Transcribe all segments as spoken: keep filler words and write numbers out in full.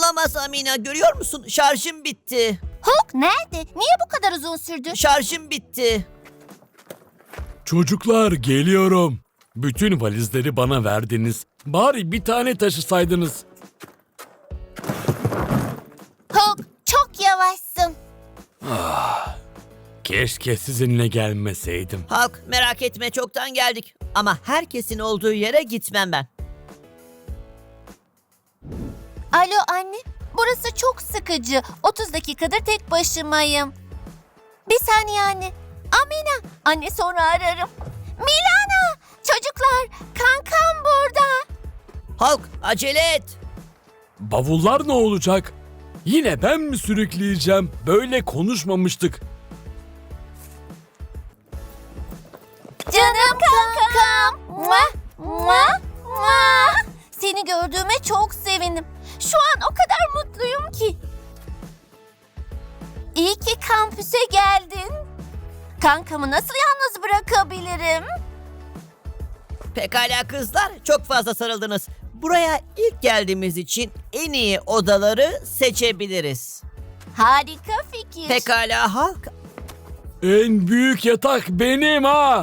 Olamaz Amina, görüyor musun? Şarjım bitti. Hulk nerede? Niye bu kadar uzun sürdü? Şarjım bitti. Çocuklar geliyorum. Bütün valizleri bana verdiniz. Bari bir tane taşısaydınız. Hulk çok yavaşsın. Keşke sizinle gelmeseydim. Halk, merak etme, çoktan geldik. Ama herkesin olduğu yere gitmem ben. Alo anne, burası çok sıkıcı. otuz dakikadır tek başımayım. Bir saniye anne. Amina, anne sonra ararım. Milana, çocuklar, kankam burada. Halk, acele et. Bavullar ne olacak? Yine ben mi sürükleyeceğim? Böyle konuşmamıştık. Canım kankam. Mua, mua, mua. Seni gördüğüme çok sevindim. Şu an o kadar mutluyum ki. İyi ki kampüse geldin. Kankamı nasıl yalnız bırakabilirim? Pekala kızlar, çok fazla sarıldınız. Buraya ilk geldiğimiz için en iyi odaları seçebiliriz. Harika fikir. Pekala Halk. En büyük yatak benim ha.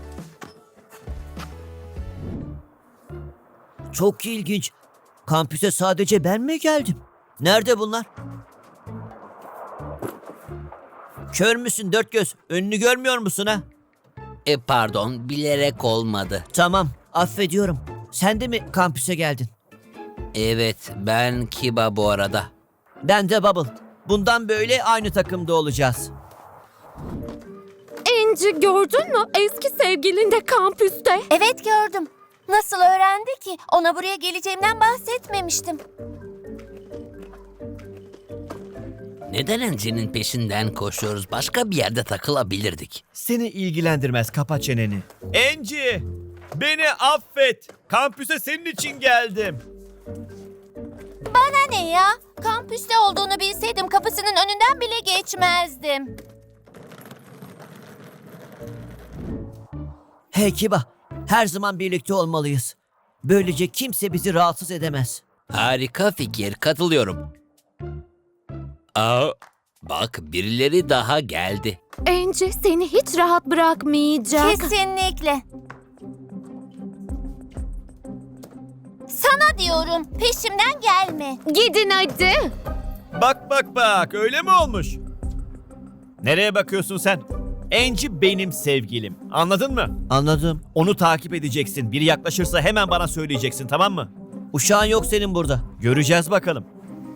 Çok ilginç. Kampüse sadece ben mi geldim? Nerede bunlar? Kör müsün dört göz? Önünü görmüyor musun ha? E pardon, bilerek olmadı. Tamam, affediyorum. Sen de mi kampüse geldin? Evet, ben Kiba bu arada. Ben de Bubble. Bundan böyle aynı takımda olacağız. Enci gördün mü? Eski sevgilin de kampüste. Evet gördüm. Nasıl öğrendi ki? Ona buraya geleceğimden bahsetmemiştim. Neden Enci'nin peşinden koşuyoruz? Başka bir yerde takılabilirdik. Seni ilgilendirmez, kapa çeneni. Enci, beni affet. Kampüse senin için geldim. Bana ne ya? Kampüste olduğunu bilseydim kapısının önünden bile geçmezdim. Hey Kiba, her zaman birlikte olmalıyız. Böylece kimse bizi rahatsız edemez. Harika fikir, katılıyorum. Aa, bak birileri daha geldi. Enci seni hiç rahat bırakmayacak. Kesinlikle. Sana diyorum, peşimden gelme. Gidin hadi. Bak bak bak, öyle mi olmuş? Nereye bakıyorsun sen? Enci benim sevgilim. Anladın mı? Anladım. Onu takip edeceksin. Biri yaklaşırsa hemen bana söyleyeceksin, tamam mı? Uşağın yok senin burada. Göreceğiz bakalım.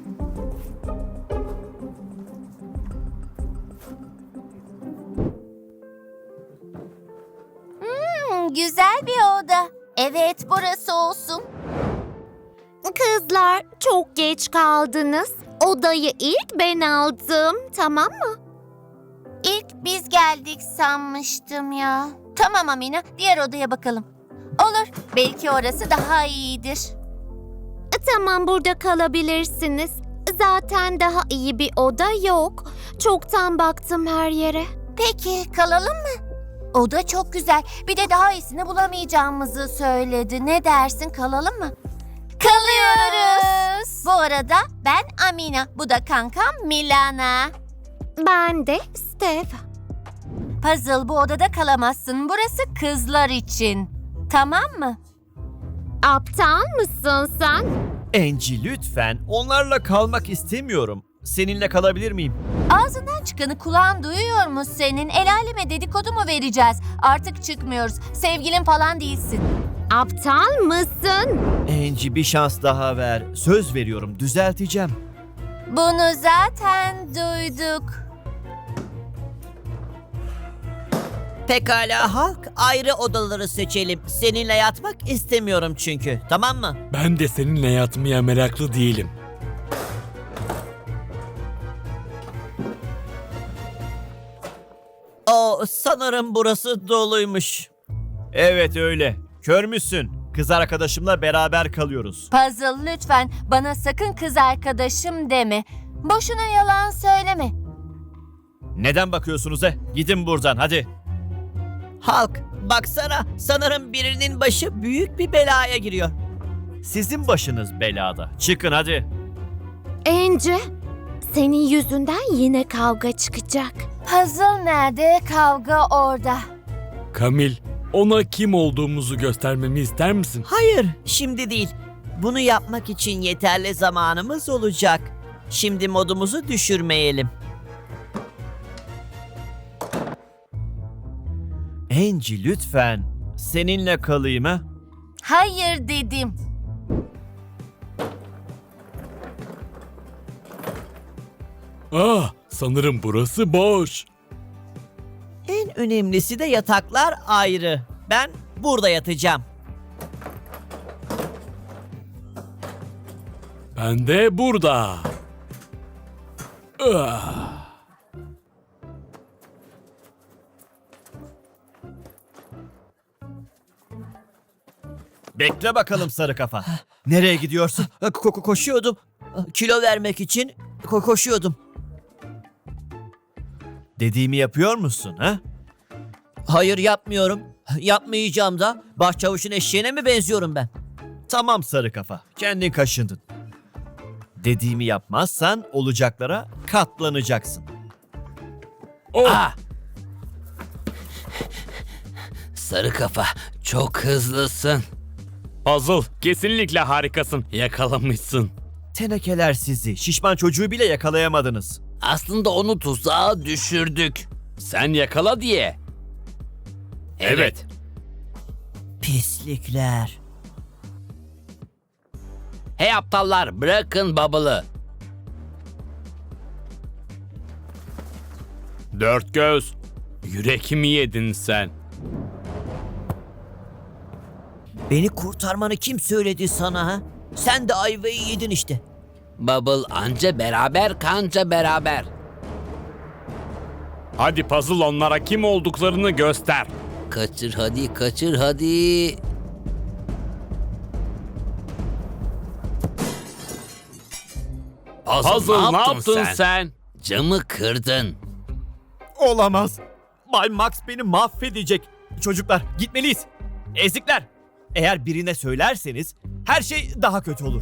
Hmm, güzel bir oda. Evet, burası olsun. Kızlar çok geç kaldınız. Odayı ilk ben aldım, tamam mı? İlk biz geldik sanmıştım ya. Tamam Amina, diğer odaya bakalım. Olur, belki orası daha iyidir. Tamam, burada kalabilirsiniz. Zaten daha iyi bir oda yok. Çoktan baktım her yere. Peki, kalalım mı? Oda çok güzel. Bir de daha iyisini bulamayacağımızı söyledi. Ne dersin, kalalım mı? Kalıyoruz. Bu arada ben Amina, bu da kankam Milana. Ben de Steph. Puzzle, bu odada kalamazsın. Burası kızlar için. Tamam mı? Aptal mısın sen? Enci lütfen, onlarla kalmak istemiyorum. Seninle kalabilir miyim? Ağzından çıkanı kulağın duyuyor mu senin? El aleme dedikodu mu vereceğiz? Artık çıkmıyoruz. Sevgilin falan değilsin. Aptal mısın? Enci bir şans daha ver. Söz veriyorum, düzelteceğim. Bunu zaten duyduk. Pekala Halk, ayrı odaları seçelim. Seninle yatmak istemiyorum çünkü. Tamam mı? Ben de seninle yatmaya meraklı değilim. O sanırım burası doluymuş. Evet öyle. Kör müsün? Kız arkadaşımla beraber kalıyoruz. Puzzle, lütfen bana sakın kız arkadaşım deme. Boşuna yalan söyleme. Neden bakıyorsunuz he? Gidin buradan hadi. Halk, baksana, sanırım birinin başı büyük bir belaya giriyor. Sizin başınız belada. Çıkın hadi. Angie, senin yüzünden yine kavga çıkacak. Puzzle nerede, kavga orada. Kamil, ona kim olduğumuzu göstermemi ister misin? Hayır, şimdi değil. Bunu yapmak için yeterli zamanımız olacak. Şimdi modumuzu düşürmeyelim. Angie lütfen seninle kalayım ha? Hayır dedim. Ah, sanırım burası boş. En önemlisi de yataklar ayrı. Ben burada yatacağım. Ben de burada. Ah. Bekle bakalım sarı kafa. Nereye gidiyorsun? Ko- ko- koşuyordum. Kilo vermek için ko- koşuyordum. Dediğimi yapıyor musun ha? Hayır, yapmıyorum. Yapmayacağım da. Başçavuşun eşeğine mi benziyorum ben? Tamam sarı kafa. Kendin kaşındın. Dediğimi yapmazsan olacaklara katlanacaksın. Oh, Ah! Sarı kafa, çok hızlısın. Puzzle, kesinlikle harikasın. Yakalamışsın. Tenekeler sizi. Şişman çocuğu bile yakalayamadınız. Aslında onu tuzağa düşürdük. Sen yakala diye. Evet. Pislikler. Hey aptallar, bırakın Bubble'ı. Dört göz. Yürekimi yedin sen. Beni kurtarmanı kim söyledi sana ha? Sen de ayvayı yedin işte. Bubble anca beraber kanca beraber. Hadi Puzzle, onlara kim olduklarını göster. Kaçır hadi, kaçır hadi. Puzzle, Puzzle, ne yaptın sen? Camı kırdın. Olamaz. Bay Max beni mahvedecek. Çocuklar gitmeliyiz. Ezikler. Eğer birine söylerseniz her şey daha kötü olur.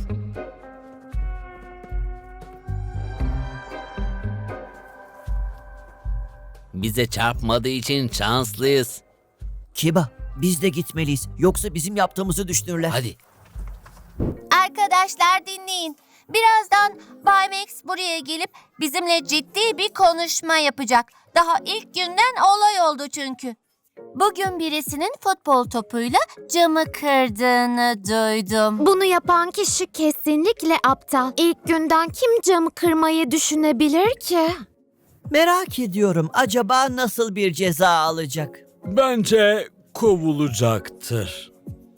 Bize çarpmadığı için şanslıyız. Kiba, biz de gitmeliyiz. Yoksa bizim yaptığımızı düşünürler. Hadi. Arkadaşlar dinleyin. Birazdan Bay Max buraya gelip bizimle ciddi bir konuşma yapacak. Daha ilk günden olay oldu çünkü. Bugün birisinin futbol topuyla camı kırdığını duydum. Bunu yapan kişi kesinlikle aptal. İlk günden kim camı kırmayı düşünebilir ki? Merak ediyorum, acaba nasıl bir ceza alacak? Bence kovulacaktır.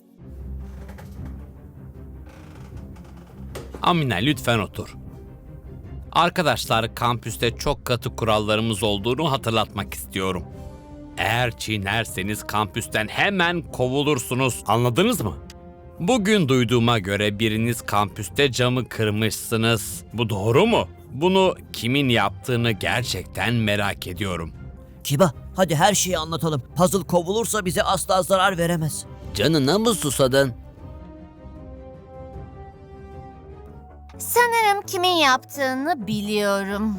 Amina lütfen otur. Arkadaşlar, kampüste çok katı kurallarımız olduğunu hatırlatmak istiyorum. Eğer çiğnerseniz kampüsten hemen kovulursunuz. Anladınız mı? Bugün duyduğuma göre biriniz kampüste camı kırmışsınız. Bu doğru mu? Bunu kimin yaptığını gerçekten merak ediyorum. Kiba, hadi her şeyi anlatalım. Puzzle kovulursa bize asla zarar veremez. Canına mı susadın? Sanırım kimin yaptığını biliyorum.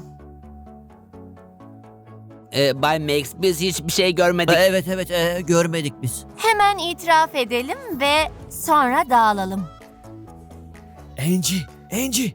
Ee, Bay Max, biz hiçbir şey görmedik. Evet evet, e, görmedik biz. Hemen itiraf edelim ve sonra dağılalım. Angie, Angie.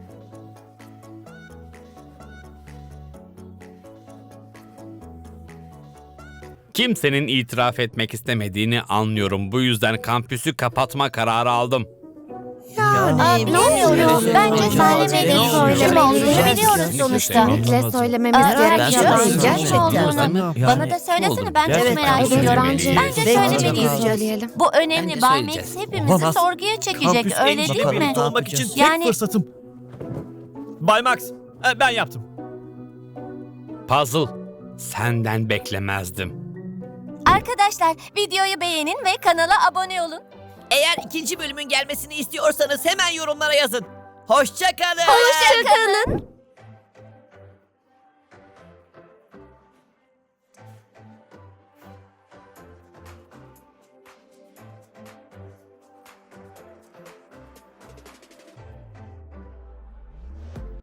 Kimsenin itiraf etmek istemediğini anlıyorum. Bu yüzden kampüsü kapatma kararı aldım. Yani Aa, bilmiyorum. Bence söylemedik. Kim olduğunu biliyoruz sonuçta. Kesinlikle söylememiz Aa, gerekiyor. biliyor musun Gerçekten. kim olduğunu? Yani- Bana da söylesene, ben çok Gerçekten. merak Evet, ediyorum. bence, Bence Bence söylemeliyiz. söyleyelim. Bu önemli. Bence Bay söyleyeceğiz. Max hepimizi Olamaz. sorguya çekecek, Kampüs öyle Angie'yle değil mi? birlikte olmak için tek Yani- fırsatım. Bay Max, e, ben yaptım. Puzzle, senden beklemezdim. Arkadaşlar, videoyu beğenin ve kanala abone olun. Eğer ikinci bölümün gelmesini istiyorsanız hemen yorumlara yazın. Hoşça kalın. Hoşça kalın.